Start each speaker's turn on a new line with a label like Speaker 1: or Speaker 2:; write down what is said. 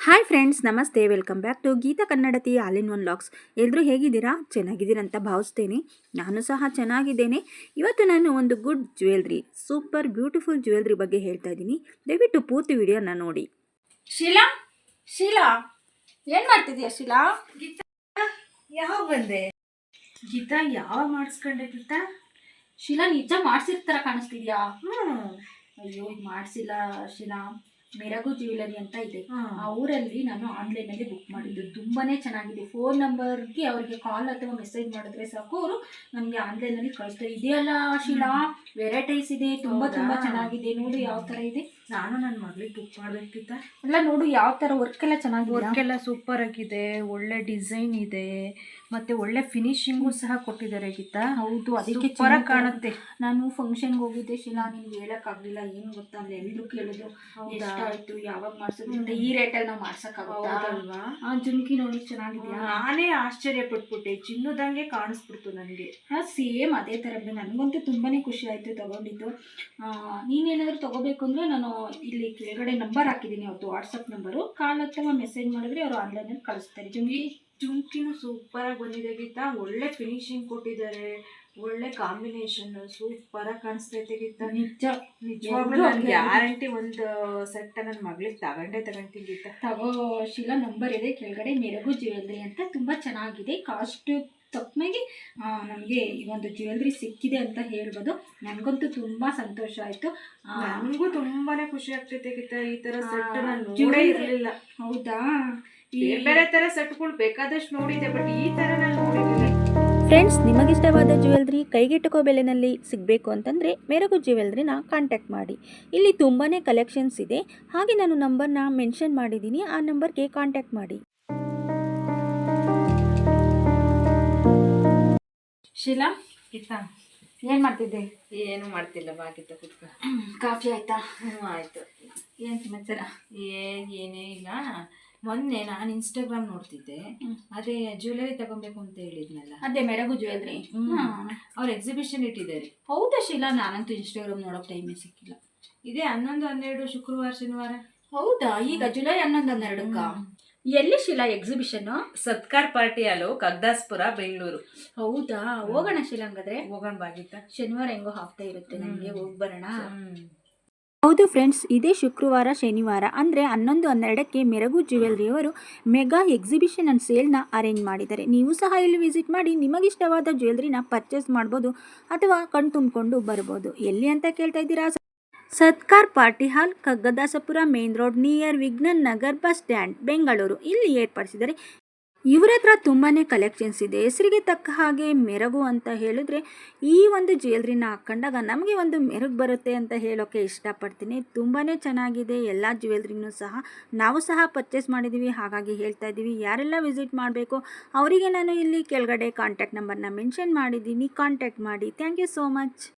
Speaker 1: Hi friends, namaste. Welcome back to Geetha Kannadathi all in one vlogs. ಎಲ್ಲರೂ ಹೇಗಿದ್ದೀರಾ? ಚೆನ್ನಾಗಿದ್ದೀರಾ ಅಂತ ಭಾವಿಸ್ತೇನೆ. ನಾನು ಸಹ ಚೆನ್ನಾಗಿದ್ದೇನೆ. ಇವತ್ತು ನಾನು ಒಂದು good jewellery, super beautiful jewellery ಬಗ್ಗೆ ಹೇಳ್ತಾ ಇದ್ದೀನಿ. ದಯವಿಟ್ಟು ಪೂರ್ತಿ ವಿಡಿಯೋನ ನೋಡಿ.
Speaker 2: ಶೀಲಾ, ಶೀಲಾ, ಏನು ಮಾಡ್ತಿದ್ಯಾ ಶೀಲಾ?
Speaker 3: ಗೀತಾ ಯಾವಾಗ ಬಂದೆ? ಗೀತಾ ಯಾವಾಗ ಮಾಡಿಸ್ಕೊಂಡೆ? ಗೀತಾ
Speaker 2: ಶೀಲಾ, ನಿಜ ಮಾಡ್ಸಿರ್ತಾರ ಕಾಣಿಸ್ತಿದ್ಯಾ? ಅಯ್ಯೋ, ಇದು ಮಾಡಿಸಿಲ್ಲ ಶೀಲಾ. ಮೆರಗು ಜ್ಯುವೆಲರಿ ಅಂತ ಇದೆ. ಆ ಊರಲ್ಲಿ ನಾನು ಆನ್ಲೈನಲ್ಲಿ ಬುಕ್ ಮಾಡಿದ್ದು. ತುಂಬಾನೇ ಚೆನ್ನಾಗಿದೆ. ಫೋನ್ ನಂಬರ್ಗೆ ಅವ್ರಿಗೆ ಕಾಲ್ ಅಥವಾ ಮೆಸೇಜ್ ಮಾಡಿದ್ರೆ ಸಾಕು, ಅವರು ನಮಗೆ ಆನ್ಲೈನಲ್ಲಿ ಕಳಿಸ್ತಾರೆ. ಇದೆಯಲ್ಲ ಶೀಲಾ, ವೆರೈಟೀಸ್ ಇದೆ, ತುಂಬಾ ಚೆನ್ನಾಗಿದೆ. ನೋಡು ಯಾವ ತರ ಇದೆ.
Speaker 3: ನಾನು ನನ್ನ ಮಗಳಿಗೆ ಬುಕ್ ಮಾಡ್ಬೇಕಿತ್ತ.
Speaker 2: ಎಲ್ಲ ನೋಡು ಯಾವ ತರ ವರ್ಕ್ ಎಲ್ಲ ಚೆನ್ನಾಗಿದೆ.
Speaker 3: ವರ್ಕ್ ಎಲ್ಲ ಸೂಪರ್ ಆಗಿದೆ, ಒಳ್ಳೆ ಡಿಸೈನ್ ಇದೆ, ಮತ್ತೆ ಒಳ್ಳೆ ಫಿನಿಶಿಂಗು ಸಹ ಕೊಟ್ಟಿದ್ದಾರೆ ಗೀತಾ.
Speaker 2: ಹೌದು, ಅದಕ್ಕೆ
Speaker 3: ಸೂಪರ್ ಕಾಣುತ್ತೆ.
Speaker 2: ನಾನು ಫಂಕ್ಷನ್ಗೆ ಹೋಗಿದ್ದೆ ಶೀಲಾ, ನಿಮ್ಗೆ ಹೇಳಕ್ಕಾಗಲಿಲ್ಲ. ಏನು ಗೊತ್ತಾ, ಅಲ್ಲಿ ಎಲ್ಲರೂ ಕೇಳಿದ್ರು ಎಷ್ಟಾಯ್ತು, ಯಾವಾಗ ಮಾಡ್ಸೋದ್ರಿಂದ ಈ ರೇಟಲ್ಲಿ ನಾವು ಮಾಡ್ಸಕ್ಕಾಗಲ್ವಾ? ಆ ಜುಮ್ಕಿ ನೋಡಿ ಚೆನ್ನಾಗಿದೆಯಾ?
Speaker 3: ನಾನೇ ಆಶ್ಚರ್ಯ ಪಟ್ಬಿಟ್ಟೆ, ಚಿನ್ನದಂಗೆ ಕಾಣಿಸ್ಬಿಡ್ತು ನನಗೆ.
Speaker 2: ಸೇಮ್ ಅದೇ ಥರ. ನನಗಂತೂ ತುಂಬಾನೇ ಖುಷಿ ಆಯಿತು ತಗೊಂಡಿದ್ದು. ನೀನೇನಾದರೂ ತಗೋಬೇಕು ಅಂದರೆ ನಾನು ಇಲ್ಲಿ ಕೆಳಗಡೆ ನಂಬರ್ ಹಾಕಿದ್ದೀನಿ, ಅವ್ರದ್ದು ವಾಟ್ಸಪ್ ನಂಬರು. ಕಾಲ್ ಅಥವಾ ಮೆಸೇಜ್ ಮಾಡಿದ್ರೆ ಅವರು ಆನ್ಲೈನಲ್ಲಿ ಕಳಿಸ್ತಾರೆ.
Speaker 3: ಜುಮ್ಕಿನೂ ಸೂಪರ್ ಆಗಿ ಬಂದಿದೆ ಗೀತಾ. ಒಳ್ಳೆ ಫಿನಿಶಿಂಗ್ ಕೊಟ್ಟಿದ್ದಾರೆ, ಒಳ್ಳೆ ಕಾಂಬಿನೇಷನ್, ಸೂಪರ್ ಆಗಿ ಕಾಣಿಸ್ತೈತೆ ಗೀತಾ. ನಿಜವಾಗ್ಲೂ ಗ್ಯಾರಂಟಿ ಒಂದು ಸೆಟ್ ನನ್ನ ಮಗಳಿಗೆ ತಗೊಂತೀನಿ ಗೀತಾ.
Speaker 2: ತಗೋ ಶೀಲಾ, ನಂಬರ್ ಇದೆ ಕೆಳಗಡೆ. ಮೆರಗು ಜ್ಯುವೆಲ್ರಿ ಅಂತ ತುಂಬ ಚೆನ್ನಾಗಿದೆ. ಕಾಸ್ಟ್ ತಕ್ಕನಾಗಿ ನಮಗೆ ಈ ಒಂದು ಜ್ಯುವೆಲ್ರಿ ಸಿಕ್ಕಿದೆ ಅಂತ ಹೇಳ್ಬೋದು. ನನಗಂತೂ ತುಂಬ ಸಂತೋಷ ಆಯಿತು.
Speaker 3: ನನಗೂ ತುಂಬಾನೇ ಖುಷಿ ಆಗ್ತೈತೆ ಗೀತಾ. ಈ ಥರ ಸೆಟ್ ನಾನು ನೋಡೇ ಇರಲಿಲ್ಲ.
Speaker 2: ಹೌದಾ?
Speaker 3: ಬೇರೆ ಥರ ಸೆಟ್ಗಳು ಬೇಕಾದಷ್ಟು ನೋಡಿದೆ, ಬಟ್ ಈ ಥರ ನಾನು ನೋಡಿರಲಿಲ್ಲ.
Speaker 1: ಫ್ರೆಂಡ್ಸ್, ನಿಮಗಿಷ್ಟವಾದ ಜ್ಯುವೆಲ್ರಿ ಕೈಗೆಟುಕೋ ಬೆಲೆಯಲ್ಲಿ ಸಿಗಬೇಕು ಅಂತಂದರೆ ಮೆರಗು ಜ್ಯುವೆಲ್ರಿನ ಕಾಂಟ್ಯಾಕ್ಟ್ ಮಾಡಿ. ಇಲ್ಲಿ ತುಂಬಾ ಕಲೆಕ್ಷನ್ಸ್ ಇದೆ. ಹಾಗೆ ನಾನು ನಂಬರ್ನ ಮೆನ್ಷನ್ ಮಾಡಿದ್ದೀನಿ, ಆ ನಂಬರ್ಗೆ ಕಾಂಟ್ಯಾಕ್ಟ್ ಮಾಡಿ.
Speaker 2: ಶೀಲಾ,
Speaker 3: ಗೀತಾ
Speaker 2: ಏನು ಮಾಡ್ತಿದ್ದೆ?
Speaker 3: ಏನು ಮಾಡ್ತಿಲ್ಲ ಬಾ ಗೀತಾ, ಕುತ್ಕ.
Speaker 2: ಕಾಫಿ ಆಯ್ತಾ?
Speaker 3: ಆಯಿತು.
Speaker 2: ಏನು ಸಮಾಚಾರ?
Speaker 3: ಏನೇ ಇಲ್ಲ. ಮೊನ್ನೆ ನಾನು ಇನ್ಸ್ಟಾಗ್ರಾಮ್ ನೋಡ್ತಿದ್ದೆ, ಅದೇ ಜ್ಯುವೆಲರಿ ತಗೊಬೇಕು ಅಂತ ಹೇಳಿದ್ನಲ್ಲ,
Speaker 2: ಅದೇ ಮೆರಗು ಜ್ಯುವೆಲ್ರಿ.
Speaker 3: ಅವ್ರು ಎಕ್ಸಿಬಿಷನ್ ಇಟ್ಟಿದ್ದಾರೆ.
Speaker 2: ಹೌದಾ ಶೀಲಾ? ನಾನಂತೂ ಇನ್ಸ್ಟಾಗ್ರಾಮ್ ನೋಡೋಕೆ ಟೈಮೇ ಸಿಕ್ಕಿಲ್ಲ.
Speaker 3: ಇದೇ 11, 12 ಶುಕ್ರವಾರ ಶನಿವಾರ.
Speaker 2: ಹೌದಾ? ಈಗ ಜುಲೈ 11, 12ಕ್ಕ? ಎಲ್ಲಿ ಶೀಲಾ ಎಕ್ಸಿಬಿಷನ್?
Speaker 3: ಸತ್ಕಾರ್ ಪಾರ್ಟಿ ಹಾಲು, ಕಗ್ದಾಸ್ಪುರ, ಬೆಂಗಳೂರು.
Speaker 2: ಹೌದಾ? ಹೋಗೋಣ ಶೀಲಾ, ಹಂಗಾದ್ರೆ
Speaker 3: ಹೋಗೋಣ ಬಾಗಿತ್ತ.
Speaker 2: ಶನಿವಾರ ಹೆಂಗೋ ಹಾಫ್ತಾ ಇರುತ್ತೆ, ನನಗೆ ಹೋಗಿ ಬರೋಣ.
Speaker 1: ಹೌದು ಫ್ರೆಂಡ್ಸ್, ಇದೇ ಶುಕ್ರವಾರ ಶನಿವಾರ ಅಂದರೆ 11, 12ಕ್ಕೆ ಮೆರಗು ಜ್ಯುವೆಲ್ರಿಯವರು ಮೆಗಾ ಎಕ್ಸಿಬಿಷನ್ ಆ್ಯಂಡ್ ಸೇಲ್ನ ಅರೇಂಜ್ ಮಾಡಿದ್ದಾರೆ. ನೀವು ಸಹ ಇಲ್ಲಿ ವಿಸಿಟ್ ಮಾಡಿ ನಿಮಗಿಷ್ಟವಾದ ಜ್ಯುವೆಲ್ರಿನ ಪರ್ಚೇಸ್ ಮಾಡ್ಬೋದು ಅಥವಾ ಕಣ್ ತುಂಬಿಕೊಂಡು ಬರ್ಬೋದು. ಎಲ್ಲಿ ಅಂತ ಕೇಳ್ತಾ ಇದ್ದೀರಾ? Satkar party hall, Kaggadasapura main road, near Vignan Nagar bus stand, Bengaluru. ಇಲ್ಲಿ ಏರ್ಪಡಿಸಿದ್ದಾರೆ. ಇವರ ಹತ್ರ ತುಂಬಾ ಕಲೆಕ್ಷನ್ಸ್ ಇದೆ. ಹೆಸರಿಗೆ ತಕ್ಕ ಹಾಗೆ ಮೆರಗು ಅಂತ ಹೇಳಿದ್ರೆ ಈ ಒಂದು ಜ್ಯುವೆಲ್ರಿನ ಹಾಕ್ಕೊಂಡಾಗ ನಮಗೆ ಒಂದು ಮೆರಗು ಬರುತ್ತೆ ಅಂತ ಹೇಳೋಕ್ಕೆ ಇಷ್ಟಪಡ್ತೀನಿ. ತುಂಬಾ ಚೆನ್ನಾಗಿದೆ. ಎಲ್ಲ ಜ್ಯುವೆಲ್ರಿನೂ ಸಹ ನಾವು ಸಹ ಪರ್ಚೇಸ್ ಮಾಡಿದ್ದೀವಿ, ಹಾಗಾಗಿ ಹೇಳ್ತಾ ಇದ್ದೀವಿ. ಯಾರೆಲ್ಲ ವಿಸಿಟ್ ಮಾಡಬೇಕು ಅವರಿಗೆ ನಾನು ಇಲ್ಲಿ ಕೆಳಗಡೆ ಕಾಂಟ್ಯಾಕ್ಟ್ ನಂಬರ್ನ ಮೆನ್ಷನ್ ಮಾಡಿದ್ದೀನಿ, ಕಾಂಟ್ಯಾಕ್ಟ್ ಮಾಡಿ. Thank you so much.